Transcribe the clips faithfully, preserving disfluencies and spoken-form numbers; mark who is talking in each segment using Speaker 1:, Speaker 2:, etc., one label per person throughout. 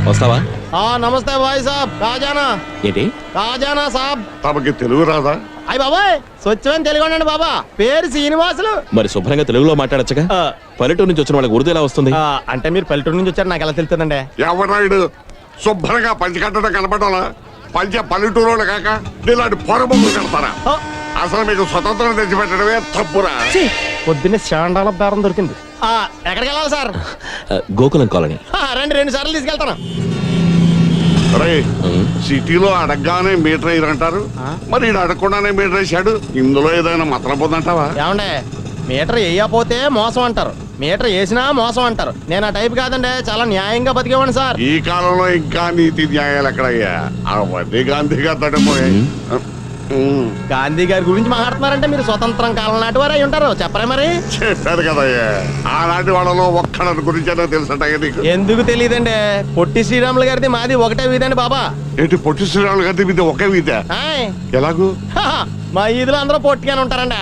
Speaker 1: వస్తావా?
Speaker 2: నమస్తే భాయ్ సాబ్. కాజానా
Speaker 1: ఏంటి?
Speaker 2: కాజానా సాబ్.
Speaker 3: తమకి తెలుగు రాదా?
Speaker 2: అయ్య బాబాయ్, స్వచ్ఛమైన తెలుగు అండి బాబా. పేరు శ్రీనివాసులు.
Speaker 1: మరి శుభ్రంగా తెలుగులో మాట్లాడచ్చుగా. పల్లెటూరు నుంచి వచ్చిన వాళ్ళకి ఉర్దూ ఎలా వస్తుంది?
Speaker 2: అంటే మీరు పల్లెటూరు నుంచి వచ్చారు, నాకు ఎలా తెలుస్తుందండి?
Speaker 3: ఎవరాయుడు శుభ్రంగా పంచి కట్టడం కనపడాలా? పంచ పల్లెటూరు కాక ఇలాంటి పొరబొమ్మలు కడతారా? అసలు మీకు స్వతంత్రం తెచ్చిపెట్టడమే తప్పురా.
Speaker 2: పొద్దున్నే శాండాల బేరం దొరికింది. ఎక్కడికి వెళ్ళాలి సార్?
Speaker 1: గోకులం కాలనీ.
Speaker 2: రెండు రెండు సార్లు తీసుకెళ్తాను.
Speaker 3: రే, సిటీలో అడగగానే మీటర్ అయ్యారంటారు, మరి ఈడు అడగకుండానే మీటర్ వేసాడు. ఇందులో ఏదైనా మతలం పొందంటావా?
Speaker 2: ఏమండే, మీటర్ వేయకపోతే మోసం అంటారు, మీటర్ వేసినా మోసం అంటారు. నేను ఆ టైప్ కాదండి, చాలా న్యాయంగా బతికేవాడిని సార్.
Speaker 3: ఈ కాలంలో ఇంకా నీతి న్యాయాలు ఎక్కడయ్యా? అవన్నీ గాంధీ గారు తడిపోయాయి.
Speaker 2: గాంధీ గారి గురించి మాట్లాడుతున్నారంటే మీరు స్వతంత్రం కాలం నాటి వారు అయి ఉంటారు. చెప్పరా మరి?
Speaker 3: చెప్పారు కదయ్యా, ఆనాటి వాళ్ళలో ఒక్కడి గురించి తెలుసట నీకు.
Speaker 2: ఎందుకు తెలియదండి, పొట్టి శ్రీరాములు గారిది మాది ఒకటే వీధండి బాబా.
Speaker 3: ఏంటి పొట్టి శ్రీరాములు గారి వీధి ఒకే వీధ? ఎలాగూ?
Speaker 2: మా ఈదులో అందరూ పొట్టిగానే ఉంటారండి.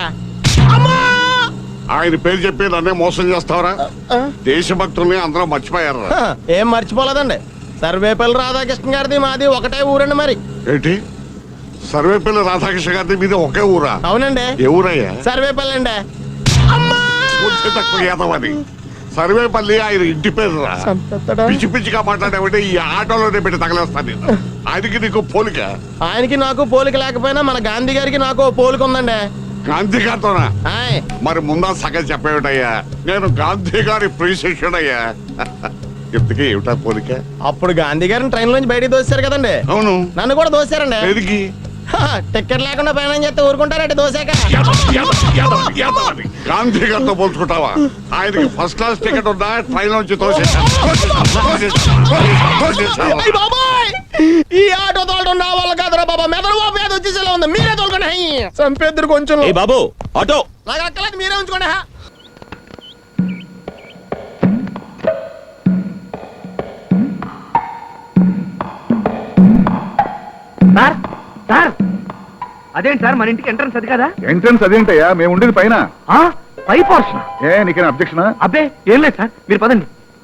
Speaker 3: ఆయన పేరు చెప్పి నన్నే మోసం చేస్తావరా? దేశభక్తుల్ని అందరూ మర్చిపోయారు.
Speaker 2: ఏం మర్చిపోలేదండి, సర్వేపల్లి రాధాకృష్ణ గారిది మాది ఒకటే ఊరండి. మరి
Speaker 3: ఏంటి సర్వేపల్లి రాధాకృష్ణ గారి మీద ఒకే ఊరా?
Speaker 2: అవునండి.
Speaker 3: ఏ ఊరయ్యా?
Speaker 2: సర్వేపల్లి అండి.
Speaker 3: తక్కువ ఏదవని సర్వేపల్లి ఆయన ఇంటి పేరు రా. పిచ్చి పిచ్చిగా మాట్లాడేవంటే ఈ ఆటోలోనే పెట్టి తగలేస్తాను నేను. ఆయనకి నీకు పోలిక?
Speaker 2: ఆయనకి నాకు పోలిక లేకపోయినా మన గాంధీ గారికి నాకు పోలిక ఉందండి.
Speaker 3: గాంధీ గారితోనా? మరి ముందా సగం చెప్పేటయ్యా, నేను గాంధీ గారి ప్రియశిష్యుడయ్యా. ఇంతకీ ఏమిటా పోలిక?
Speaker 2: అప్పుడు గాంధీ గారిని ట్రైన్ లోంచి బయటికి దోశారు కదండి.
Speaker 3: అవును,
Speaker 2: నన్ను కూడా దోశారండి.
Speaker 3: ఎదిగి
Speaker 2: టికెట్ లేకుండా ప్రయాణం చేస్తే ఊరుకుంటారంటే దోశాక.
Speaker 3: గాంధీ గారితో పోల్చుకుంటావా? ఆయనకి ఫస్ట్ క్లాస్ టికెట్ ఉందా? ట్రైన్ నుంచి
Speaker 2: ఈ ఆటో తోలడం నా వల్ల కాదురా బాబా. మెదడు బాబు ఏదో వచ్చేసేలా ఉంది, మీరే తోలుకోండి. చంపేద్దరు కొంచెం.
Speaker 1: బాబు ఆటో
Speaker 2: నాకు అక్కలేదు, మీరే ఉంచుకోండి.
Speaker 4: సార్ సార్ అదేంటి సార్, మన ఇంటికి ఎంట్రన్స్ అది కదా?
Speaker 5: ఎంట్రన్స్ అదేంటయ్యా, మేము ఉండేది పైన.
Speaker 4: పై పోర్షన్.
Speaker 5: ఏ నీకేనా అబ్జెక్షన్?
Speaker 4: అబ్బే ఏం లేదు సార్, మీరు పదండి.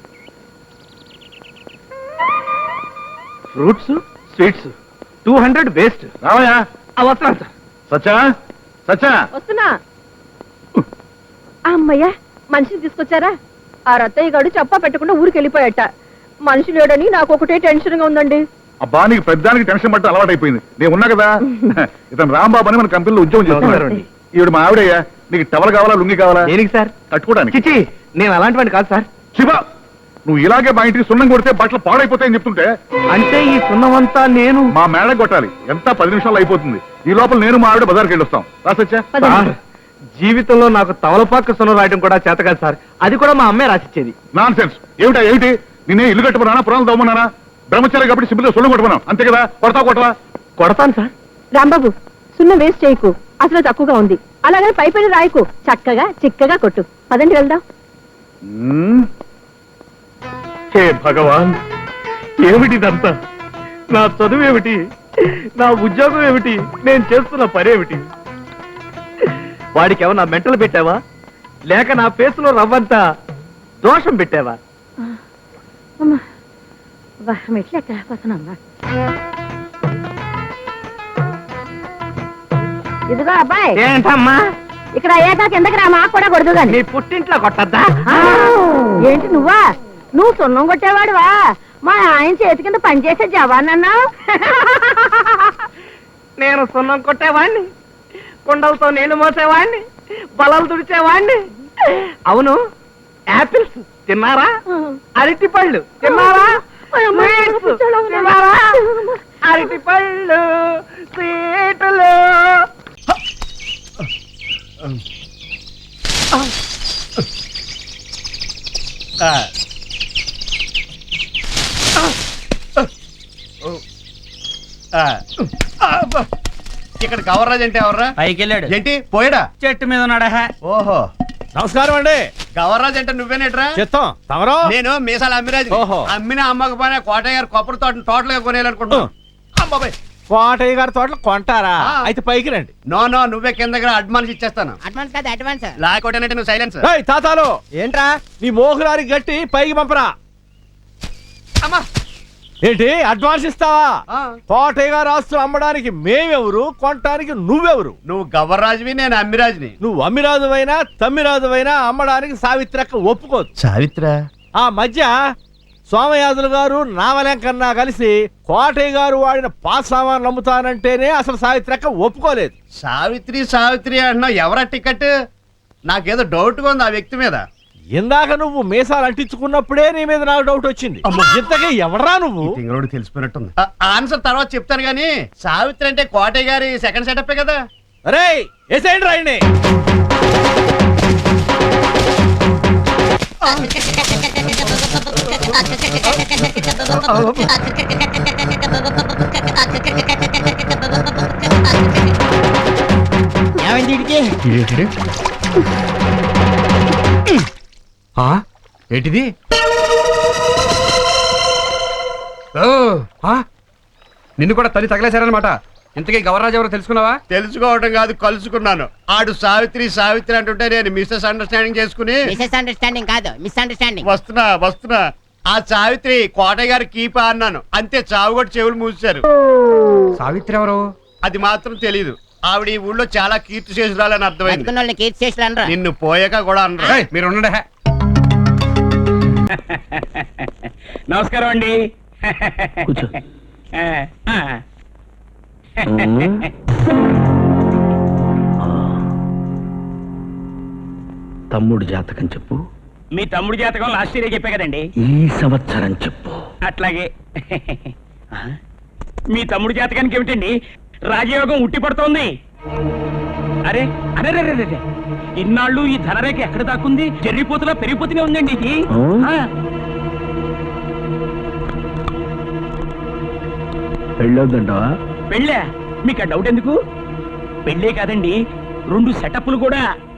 Speaker 4: Fruits sweets two hundred waste.
Speaker 5: రావయ్యా.
Speaker 4: వస్తున్నాను సార్.
Speaker 5: సచ్చా సచ్చా
Speaker 6: వస్తున్నా. అమ్మయ్యా, మనిషిని తీసుకొచ్చారా? ఆ రత్తయ్య గారు చెప్పా పెట్టకుండా ఊరికి వెళ్ళిపోయాట. మనిషి లేడని నాకు ఒకటే టెన్షన్ గా ఉందండి.
Speaker 5: అబ్బా, నీకు పెద్దానికి టెన్షన్ పట్ట అలవాటు అయిపోయింది. నేను ఉన్నా కదా. ఇతను రాంబాబు అని మన కంపెనీలో ఉద్యోగం చేస్తున్నారు. ఈవిడ మా ఆవిడయ్యా. నీకు టవల్ కావాలా, లుంగి కావాలా?
Speaker 4: దేనికి సార్?
Speaker 5: కట్టుకోవడానికి.
Speaker 4: చిచి, నేను అలాంటి వాడిని కాదు సార్.
Speaker 5: శివ, నువ్వు ఇలాగే మా ఇంటికి సున్నం కొడితే బట్టలు పాడైపోతాయని చెప్తుంటే.
Speaker 4: అంటే ఈ సున్నం అంతా నేను
Speaker 5: మా మేడ కొట్టాలి. ఎంత పది నిమిషాలు అయిపోతుంది. ఈ లోపల నేను మా ఆవిడ బజార్కి వెళ్ళొస్తాం. రాసచ్చా?
Speaker 4: జీవితంలో నాకు తవలపాక సున్నం రాయడం కూడా చేత కాదు సార్. అది కూడా మా అమ్మే రాసిచ్చేది.
Speaker 5: Non sense. ఏమిటా ఏమిటి? నేనే ఇల్లు కట్టుకున్నానా, పురాణాలు తవ్వమన్నానా? బ్రహ్మచారి కాబట్టి సిబ్బిలో సొల్లు కొట్టుకున్నాం, అంతే కదా? కొడతా కొట్టవా?
Speaker 4: కొడతాను సార్.
Speaker 6: రాంబాబు, సున్నం వేస్ట్ చేయకు, అసలు తక్కువగా ఉంది. అలాగే పై పైన రాయకు, చక్కగా చిక్కగా కొట్టు. పదండి వెళ్దాం.
Speaker 4: హే భగవాన్, ఏమిటిదంతా? నా చదువు ఏమిటి, నా ఉద్యోగం ఏమిటి, నేను చేస్తున్న పనేమిటి? వాడికి ఏమన్నా మెంటలు పెట్టావా, లేక నా ఫేసులో రవ్వంతా దోషం పెట్టావా?
Speaker 6: ఇదిగో అబ్బాయి.
Speaker 4: ఏంటమ్మా?
Speaker 6: ఇక్కడ అయ్యాక కిందకి రా, మాకు కూడా కొడుతు గాని.
Speaker 4: నీ పుట్టింట్లో కొట్టద్దా?
Speaker 6: ఏంటి నువ్వా? నువ్వు సున్నం కొట్టేవాడువా? మా ఆయన చేతి కింద పనిచేసే జవాన్ అన్నావు.
Speaker 4: నేను సున్నం కొట్టేవాణ్ణి, కుండలతో నీళ్లు మోసేవాణ్ణి, బలలు తుడిచేవాణ్ణి. అవును, యాపిల్స్ తిన్నారా? అరటి పళ్ళు తిన్నారా? తిన్నారా? అరటి పళ్ళు, స్వీటులు.
Speaker 2: ఇక్కడ గవర్రాజ్ అంటే ఎవర్రా?
Speaker 4: పైకి వెళ్ళాడు.
Speaker 2: ఏంటి పోయాడా?
Speaker 4: చెట్టు మీద ఉన్నాడా?
Speaker 2: ఓహో,
Speaker 1: నమస్కారం అండి.
Speaker 2: గవర్రాజ్ అంటే నువ్వేనేట్రా?
Speaker 1: చెత్తం తమరో?
Speaker 2: నేను మీసాల అమ్మిరాజు.
Speaker 1: ఓహో.
Speaker 2: అమ్మిన అమ్మకపోయినా కోటయ్య గారు కొబ్బరి తోట టోటల్ గా కొనేయాలనుకుంటున్నాను. అమ్మాయి
Speaker 1: కోటయ్య గారి తోటలు కొంటారా? అయితే పైకి రండి.
Speaker 2: నో నో, నువ్వే కింద అడ్వాన్స్ ఇచ్చేస్తాను.
Speaker 6: అడ్వాన్స్ కాదు, అడ్వాన్స్.
Speaker 2: లేకపోతే నువ్వు సైలెన్స్.
Speaker 1: తాతాలు ఏంట్రా నీ మోహులారి గట్టి పైకి పంపరా.
Speaker 2: అమ్మా
Speaker 7: ఏంటి అడ్వాన్స్ ఇస్తావా? కోటయ్య గారు ఆస్తులు అమ్మడానికి మేమెవరు, కొనడానికి నువ్వెవరు?
Speaker 8: నువ్వు గవర్రాజువి, నేను అమ్మిరాజుని.
Speaker 7: నువ్వు అమ్మిరాజువైనా తమ్మిరాజువైనా అమ్మడానికి సావిత్రక్క ఒప్పుకోదు.
Speaker 8: సావిత్ర
Speaker 7: ఆ మధ్య సోమయాజులు గారు నావలెంకన్నా కలిసి కోటయ్య గారు వాడిన పాస్ సామాన్లు అమ్ముతానంటేనే అసలు సావిత్రక్క ఒప్పుకోలేదు.
Speaker 8: సావిత్రి సావిత్రి అంటున్నావు, ఎవరా టికెట్? నాకేదో డౌట్గా ఉంది ఆ వ్యక్తి మీద.
Speaker 7: ఇందాక నువ్వు మీసాలు అంటించుకున్నప్పుడే నీ మీద నాకు డౌట్ వచ్చింది. ఇంతకీ ఎవడరా నువ్వు?
Speaker 8: తింగరోడు తెలిసిపోయినట్టుంది. ఆ, ఆన్సర్ తర్వాత చెప్తాను గానీ, సావిత్రి అంటే కోటయ్య గారి సెకండ్ సెటప్ కదా.
Speaker 7: అరే ఏసేండి రాయండి.
Speaker 8: ఏంటిది?
Speaker 9: నిన్ను కూడా తల్లి తగలేశారనమాట. ఇంతకీ గవర్రాజు ఎవరో తెలుసుకున్నావా?
Speaker 8: తెలుసుకోవడం కాదు, కలుసుకున్నాను. ఆడు సావిత్రి సావిత్రి అంటుంటే నేను మిస్సెస్ అండర్స్టాండింగ్ చేసుకుని
Speaker 10: మిస్ అండర్స్టాండింగ్ కాదు మిస్ అండర్స్టాండింగ్.
Speaker 8: వస్తున్నా వస్తున్నా ఆ సావిత్రి కోటయ్య గారి కీపా అన్నాను, అంతే చావు కూడా చెవులు మూసారు.
Speaker 9: సావిత్రి ఎవరు?
Speaker 8: అది మాత్రం తెలీదు. ఆవిడ ఈ ఊళ్ళో చాలా కీర్తి చేసురాలని అర్థమైంది.
Speaker 10: బతుకున్న వాళ్ళని కీర్తి చేసి అనరా.
Speaker 8: నిన్ను పోయాక కూడా అనరు.
Speaker 9: ఏయ్, మీరు ఉండండి.
Speaker 11: నమస్కారం అండి.
Speaker 1: కూర్చో. తమ్ముడు జాతకం చెప్పు.
Speaker 11: మీ తమ్ముడి జాతకం లాస్ట్ ఇయర్ చెప్పే కదండి.
Speaker 1: ఈ సంవత్సరం చెప్పు.
Speaker 11: అట్లాగే. మీ తమ్ముడి జాతకానికి ఏమిటండి రాజయోగం ఉట్టి పడుతోంది. అరే అరే రే రే రే. ఇన్నాళ్ళు ఈ ధనరేఖ ఎక్కడ దాక్కుంది? జరిగిపోతున్నా పెరిగిపోతూనే ఉందండి ఇది. ఆ.
Speaker 1: పెళ్ళొద్దంటావా?
Speaker 11: పెళ్ళా? మీకు ఆ డౌట్ ఎందుకు? పెళ్ళే కాదండి, రెండు సెటప్లు కూడా.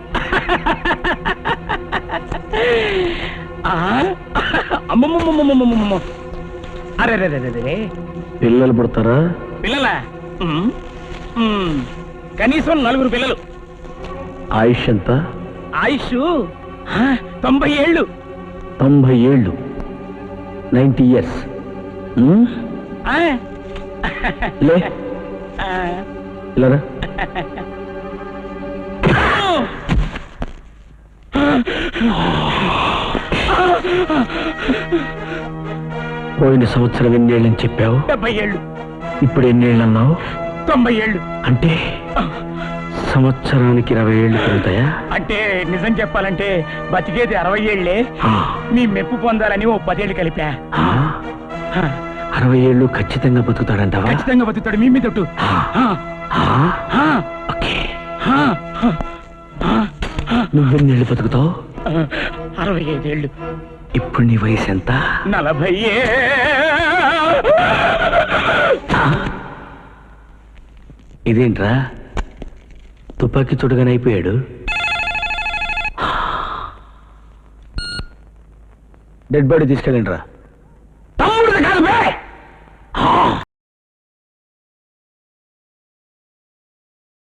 Speaker 11: అమ్మమ్మమ్మమ్మమ్మమ్మ. అరే రే రే రే.
Speaker 1: పిల్లలు పుడతారా?
Speaker 11: పిల్లలా? ఉమ్, ఉమ్, కనీసం నలుగురు పిల్లలు.
Speaker 1: ఆయుష్ ఎంత?
Speaker 11: ఆయుష్ ఆ, తొంభై ఏళ్ళు.
Speaker 1: తొంభై ఏళ్ళు. Ninety years.
Speaker 11: ఆ,
Speaker 1: లే
Speaker 11: ఆ.
Speaker 1: ఇలారా. పోయిన సంవత్సరం ఎన్నేళ్ళని చెప్పావు?
Speaker 11: డెబ్బై ఏళ్ళు.
Speaker 1: ఇప్పుడు ఎన్నేళ్ళు అన్నావు?
Speaker 11: తొంభై ఏళ్ళు.
Speaker 1: అంటే సంవత్సరానికి ఇరవై ఏళ్ళు పెరుగుతాయా?
Speaker 11: అంటే నిజం చెప్పాలంటే బతికేది అరవై ఏళ్లే.
Speaker 1: ఆ,
Speaker 11: మీ మెప్పు పొందాలని ఓ పదేళ్ళు కలిపా.
Speaker 1: ఆ, అరవై ఏళ్ళు ఖచ్చితంగా బతుకుతాడంటావా?
Speaker 11: ఖచ్చితంగా బతుకుతాడు. మీ మీద ఒట్టు.
Speaker 1: ఆ, ఆ, ఓకే. నువ్వెన్నేళ్ళు బతుకుతావు?
Speaker 11: అరవై ఐదేళ్ళు.
Speaker 1: ఇప్పుడు నీ వయసు ఎంత?
Speaker 11: నలభై.
Speaker 1: ఇదేంట్రా తుపాకీ చుడగానైపోయాడు? డెడ్ బాడీ తీసుకెళ్ళండి రా.